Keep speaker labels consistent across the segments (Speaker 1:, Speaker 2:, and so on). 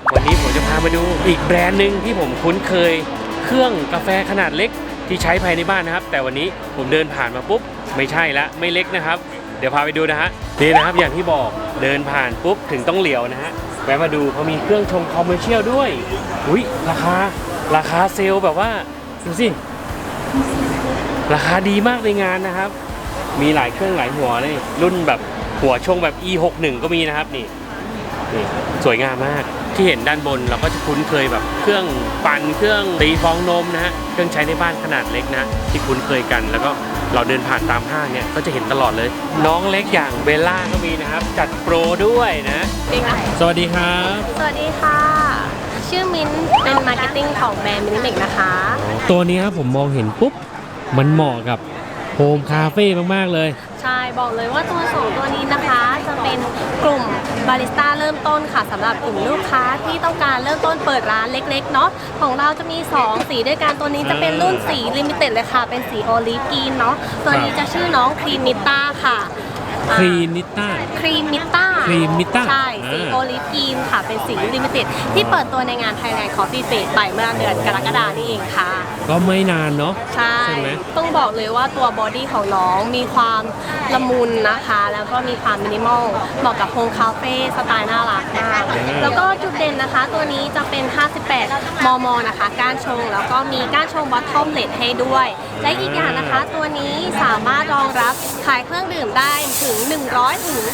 Speaker 1: วันนี้ผมจะพามาดูอีกแบรนด์หนึ่งที่ผมคุ้นเคยเครื่องกาแฟขนาดเล็กที่ใช้ภายในบ้านนะครับแต่วันนี้ผมเดินผ่านมาปุ๊บไม่ใช่ละไม่เล็กนะครับเดี๋ยวพาไปดูนะฮะนี่นะครับอย่างที่บอกเดินผ่านปุ๊บถึงต้องเหลียวนะฮะแวะมาดูเขามีเครื่องชงคอมเมอร์เชียลด้วยอุ้ยราคาเซลล์แบบว่าดูสิราคาดีมากในงานนะครับมีหลายเครื่องหลายหัวเลยรุ่นแบบหัวชงแบบ E61 ก็มีนะครับนี่สวยงามมากที่เห็นด้านบนเราก็จะคุ้นเคยแบบเครื่องปั่นเครื่องตีฟองนมนะฮะเครื่องใช้ในบ้านขนาดเล็กนะที่คุ้นเคยกันแล้วก็เราเดินผ่านตามห้างเนี่ยก็จะเห็นตลอดเลยน้องเล็กอย่างเบลล่าก็มีนะครับจัดโปรด้วยนะสวัสดีครับ
Speaker 2: สวัสดีค่ะชื่อมิ้นเป็นมาร์เก็ตติ้งของแบรนด์มินิเมกนะคะ
Speaker 1: ตัวนี้ครับผมมองเห็นปุ๊บมันเหมาะกับโฮมคาเฟ่มากๆเลย
Speaker 2: ใช่บอกเลยว่าตัว2ตัวนี้นะคะจะเป็นกลุ่มบาริสต้าเริ่มต้นค่ะสำหรับกลุ่มลูกค้าที่ต้องการเริ่มต้นเปิดร้านเล็กๆเนาะของเราจะมี2สีด้วยกันตัวนี้จะเป็นรุ่นสีลิมิเต็ดเลยค่ะเป็นสีโอลิฟกรีนเนาะตัวนี้จะชื่อน้องครีมมิต้าค่ะ
Speaker 1: ครีมมิต้า
Speaker 2: ใช่สีโอลิฟกรีนค่ะเป็นสีลิมิเต็ดที่เปิดตัวในงาน Thailand Coffee Fest ไปเมื่อเดือนกรกฎาคมนี่เองค่ะ
Speaker 1: ก็ไม่นานเนาะ
Speaker 2: ใช่ไหมต้องบอกเลยว่าตัวบอดี้ของน้องมีความละมุนนะคะแล้วก็มีความมินิมอลเหมาะกับโฮมคาเฟ่สไตล์น่ารักมากแล้วก็จุดเด่นนะคะตัวนี้จะเป็น58 มมนะคะก้านชงแล้วก็มีก้านชงบอททอมเลดให้ด้วยและอีกอย่างนะคะตัวนี้สามารถรองรับขายเครื่องดื่มได้ถึง100 ถึง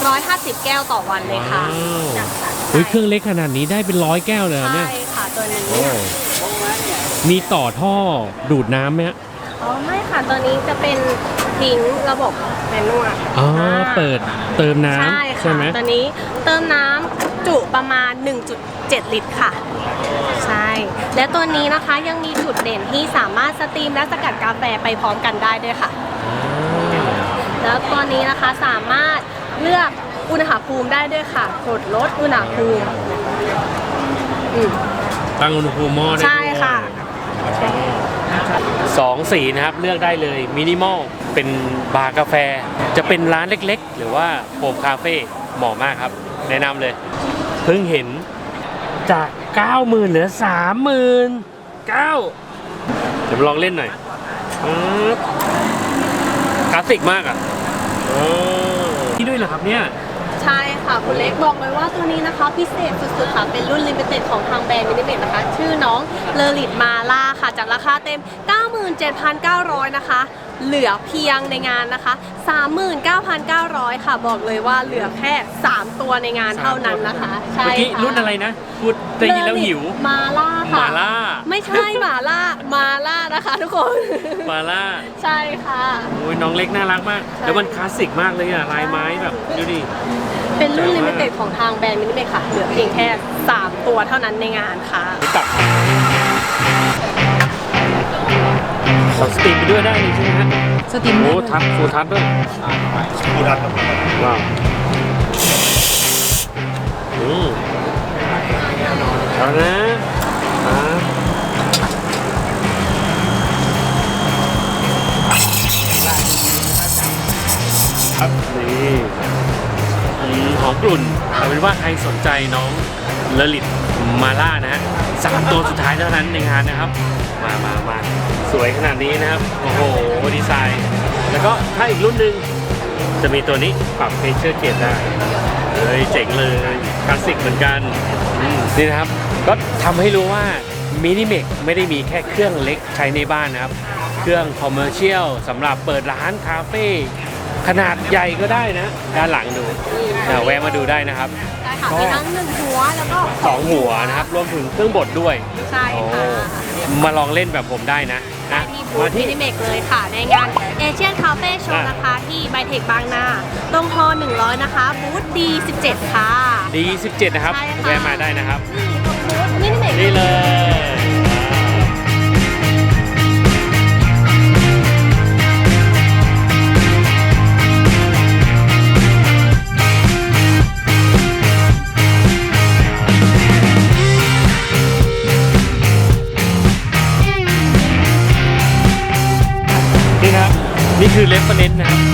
Speaker 2: 150 แก้วต่อวันเลยค่ะ
Speaker 1: เครื่องเล็กขนาดนี้ได้เป็น100 แก้วเลยเนี่ย
Speaker 2: ใช่ค่ะตัวนี้
Speaker 1: มีต่อท่อดูดน้ำไหมฮะ
Speaker 2: ไม่ค่ะตัวนี้จะเป็นทิ้งระบบแมนนวล
Speaker 1: เปิดเติมน้ำใช่ไหม
Speaker 2: ตัวนี้เติมน้ำจุประมาณ 1.7 ลิตรค่ะใช่และตัวนี้นะคะยังมีจุดเด่นที่สามารถสตรีมและสกัดกาแฟไปพร้อมกันได้ด้วยค่ะแล้วตัวนี้นะคะสามารถเลือกอุณหภูมิได้ด้วยค่ะกดลดอุณหภูมิ
Speaker 1: ตั้งอุณหภูมิหม้อได้
Speaker 2: ใช่ค่ะ
Speaker 1: 2 สีนะครับเลือกได้เลยมินิมอลเป็นบาร์กาแฟจะเป็นร้านเล็กๆหรือว่าโฮมคาเฟ่เหมาะมากครับแนะนำเลยเพิ่งเห็นจาก 90,000 เหลือ 39,000เดี๋ยวลองเล่นหน่อยคลาสสิกมากอ่ะนี่ด้วยเหรอครับเนี่ย
Speaker 2: ใช่ค่ะคุณเล็กบอกเลยว่าตัวนี้นะคะพิเศษสุดๆค่ะเป็นรุ่นลิมิเต็ดของทางแบรนด์มินิเมกนะคะชื่อน้องเลอริตมาล่าค่ะจากราคาเต็ม 97,900 นะคะเหลือเพียงในงานนะคะ 39,900 ค่ะบอกเลยว่าเหลือแค่3ตัวในงานเท่านั้นนะคะใช่ค่ะ
Speaker 1: รุ่นอะไรนะพูดได้ยินแล้วหิว
Speaker 2: มาล่าค่ะ
Speaker 1: มาล่า
Speaker 2: ไม่ใช่มาล่านะคะทุกคน
Speaker 1: มาล่า
Speaker 2: ใช่ค่ะ
Speaker 1: โอ้ยน้องเล็กน่ารักมากแล้วมันคลาสสิกมากเลยอะลายไม้แบบดูดิ
Speaker 2: เป็นรุ่นลิมิเต็ดของทางแบรนด์มินิเมกค่ะเหลือเพียงแค่3ตัวเท่านั้นในงานค่ะ
Speaker 1: ตัดสตรีมไปด้วยได้ใช่ไหมฮะ
Speaker 2: สตรีม
Speaker 1: โอ้ทัชฟูลทัชด้วย
Speaker 3: ฟูลทัชครับ
Speaker 1: ว้าวเอานะครับนี่หอมกลุ่นเอาเป็นว่าใครสนใจน้องเลลิตมาล่านะฮะ3 ตัวสุดท้ายเท่านั้นในงานนะครับมาสวยขนาดนี้นะครับโอ้โหดีไซน์แล้วก็ถ้าอีกรุ่นหนึ่งจะมีตัวนี้ปรับเพชเชอร์เกจได้เจ๋งเลยคลาสสิกเหมือนกันนี่นะครับก็ทำให้รู้ว่ามินิเมกไม่ได้มีแค่เครื่องเล็กใช้ในบ้านนะครับเครื่องคอมเมอร์เชียลสำหรับเปิดร้านคาเฟ่ขนาดใหญ่ก็ได้นะด้านหลังดูแวะมาดูได้นะครับ
Speaker 2: มีทั้ง1 หัวแล้วก็
Speaker 1: 2 หัวนะครับรวมถึงเครื่องบดด้วย
Speaker 2: ใช่ค่ะ
Speaker 1: มาลองเล่นแบบผมได้นะ
Speaker 2: มาที่มินิเมกเลยค่ะในงานเอเชียนคาเฟ่โชว์นะคะที่ไบเทคบางนาตรงฮอ100นะคะบูธ D17 ค่ะ
Speaker 1: D17 นะครับแวะมาได้นะครับ
Speaker 2: มินิเมก
Speaker 1: นี่เลยนี่คือเรฟเฟอเรนซ์นะครับ